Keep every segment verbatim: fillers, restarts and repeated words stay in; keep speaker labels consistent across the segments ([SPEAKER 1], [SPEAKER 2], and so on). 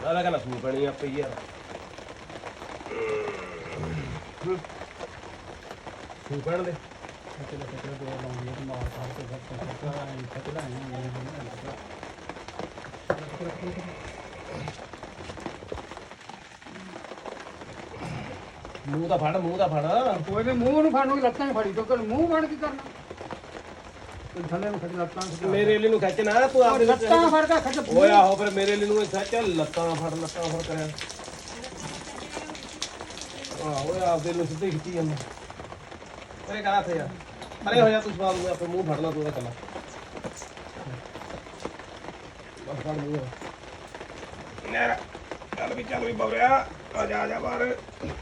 [SPEAKER 1] ਆਲਾ ਕਹਿੰਦਾ ਸੂ ਪੈਣੀ ਆਪੇ ਯਾਰ ਸੂ ਪੈਣ ਦੇ
[SPEAKER 2] ਚਲੋ ਚਲੋ ਦੋ ਲਾਉਂਦੀ ਹੈ ਮਾਰ ਸਾਰ ਕੇ ਫਿਰ ਚੱਕਾ ਐਂ ਚੱਕਦਾ ਐਂ
[SPEAKER 1] ਮੂੰਹ ਦਾ ਫੜ ਮੂੰਹ ਦਾ ਫੜ
[SPEAKER 2] ਕੋਈ ਨੇ ਮੂੰਹ ਨੂੰ ਫੜਨ ਨੂੰ ਲੱਤਾਂ ਫੜੀ ਕਿਉਂਕਿ ਮੂੰਹ ਫੜ ਕੀ ਕਰਨਾ ਕੋਈ ਥੱਲੇ ਨੂੰ ਖੜੀ ਲੱਤਾਂ
[SPEAKER 1] ਮੇਰੇ ਲਈ ਨੂੰ ਖਿੱਚ ਨਾ ਤੂੰ ਆਪਦੇ
[SPEAKER 2] ਲੱਤਾਂ ਫੜ ਕੇ ਖੱਟ
[SPEAKER 1] ਓਏ ਆਹੋ ਫਿਰ ਮੇਰੇ ਲਈ ਨੂੰ ਸੱਚ ਲੱਤਾਂ ਫੜ ਲੱਤਾਂ ਫੜ ਕਰਿਆ ਆਹ ਓਏ ਆਪਦੇ ਨੂੰ ਸਿੱਧੇ ਖਿੱਚੀ ਜਾਂਦਾ ਅਰੇ ਕਰਾ ਥੇ ਯਾਰ ਅਰੇ ਹੋ ਜਾ ਤੂੰ ਸਵਾਲ ਨੂੰ ਆਪੇ ਮੂੰਹ ਫੜਨਾ ਤੂੰ ਇਹਦਾ ਕੱਲਾ ਬਸ ਫੜ ਮੂੰਹ ਨੇਰਾ ਚੱਲ ਵੀ ਚੱਲ ਵੀ ਬਵਰਿਆ ਆ ਜਾ ਆ ਜਾ ਬਾਹਰ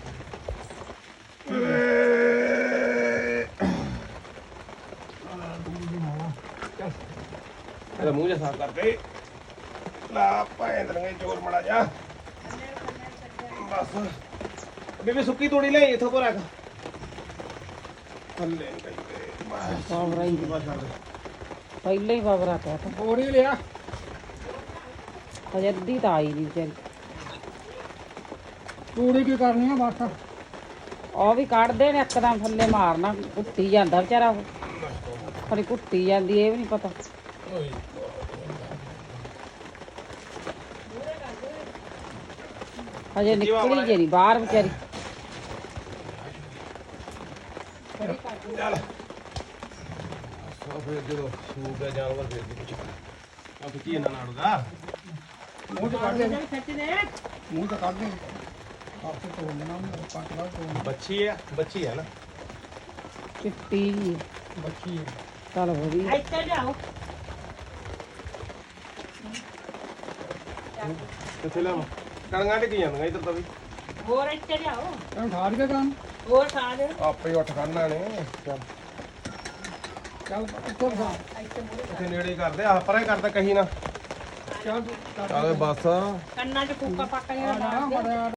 [SPEAKER 1] ਇਹਦਾ ਮੂੰਹ ਜਿਹਾ ਸਾਫ਼ ਕਰਕੇ ਲਾ ਭਾਵੇਂ ਦਰਗੇ ਚੋਰ ਮੜਾ ਜਾ ਬਸ ਬੀਬੀ ਸੁੱਕੀ ਤੋੜੀ ਲੈ ਇਥੋਂ ਕੋ ਰੱਖ ਥੱਲੇ ਗਈ ਤੇ ਬਸ
[SPEAKER 3] ਬਾਬਰਾ ਹੀ
[SPEAKER 1] ਬਸ ਛੱਡ
[SPEAKER 3] ਪਹਿਲਾਂ ਹੀ ਬਾਬਰਾ ਕਹਿ ਤਾ
[SPEAKER 2] ਬੋੜੀ ਲਿਆ
[SPEAKER 3] ਹਜੇ ਅੱਧੀ ਤਾਂ ਆਈ ਨਹੀਂ ਵਿਚਾਰੀ
[SPEAKER 2] ਤੂੜੀ ਕੀ ਕਰਨੀ ਆ ਬਸ
[SPEAKER 3] ਉਹ ਵੀ ਕੱਢਦੇ ਨੇ ਇੱਕਦਮ ਥੱਲੇ ਮਾਰਨਾ ਕੁੱਟੀ ਜਾਂਦਾ ਵਿਚਾਰਾ ਉਹ ਖੜੀ ਕੁੱਟੀ ਜਾਂਦੀ ਇਹ ਵੀ ਨਹੀਂ ਪਤਾ ਹਜੇ ਨਿਕਲੀ ਜੇ ਨਹੀਂ ਬਾਹਰ ਵਿਚਾਰੀ
[SPEAKER 1] ਚੱਲ ਸੋ ਫਿਰ ਜਦੋਂ ਸੂਕ ਹੈ ਜਾਨਵਰ ਫਿਰ ਦੀ ਕੁਛ ਆ ਕੀ ਇਹਨਾਂ ਨਾੜੂਗਾ
[SPEAKER 2] ਮੂੰਹ ਤੇ ਕੱਢ ਦੇ ਮੂੰਹ ਤੇ ਕੱਢ ਦੇ ਆਪੇ ਤੋਂ ਨਾ ਪੱਟ ਲਾ ਤੋਂ
[SPEAKER 1] ਬੱਚੀ ਹੈ ਬੱਚੀ ਹੈ ਨਾ
[SPEAKER 3] ਚਿੱਟੀ ਜਿਹੀ
[SPEAKER 2] ਬੱਚੀ
[SPEAKER 3] ਚੱਲ ਵਧੀਆ
[SPEAKER 4] ਇੱਥੇ ਜਾਓ
[SPEAKER 1] ਕਿੱਥੇ ਲਾਵਾਂ ਕਣੀਆਂ ਟਿਕ ਜਾਂਦੀਆਂ ਇੱਧਰ ਤਾਂ ਵੀ
[SPEAKER 4] ਹੋਰ ਇੱਥੇ ਜਾਓ
[SPEAKER 2] ਤੈਨੂੰ ਠਾੜ ਕੇ ਕੰਮ
[SPEAKER 4] ਹੋਰ ਖਾ ਦੇ
[SPEAKER 1] ਆਪੇ ਹੀ ਉੱਠ ਖੜਨਾ ਨੇ ਚੱਲ
[SPEAKER 2] ਚੱਲ ਉੱਤੋਂ ਖਾ
[SPEAKER 1] ਇੱਥੇ ਨੇੜੇ ਕਰਦੇ ਆ ਪਰੇ ਕਰਦਾ ਕਹੀ ਨਾ
[SPEAKER 2] ਚੱਲ
[SPEAKER 1] ਚੱਲ ਬਸ
[SPEAKER 4] ਕੰਨਾਂ 'ਚ ਫੂਕਾ ਪੱਕ
[SPEAKER 2] ਆ
[SPEAKER 4] ਜਿਹੜਾ
[SPEAKER 2] ਜਾ
[SPEAKER 4] ਮਾਰ ਦੇ
[SPEAKER 2] ਬੜਾ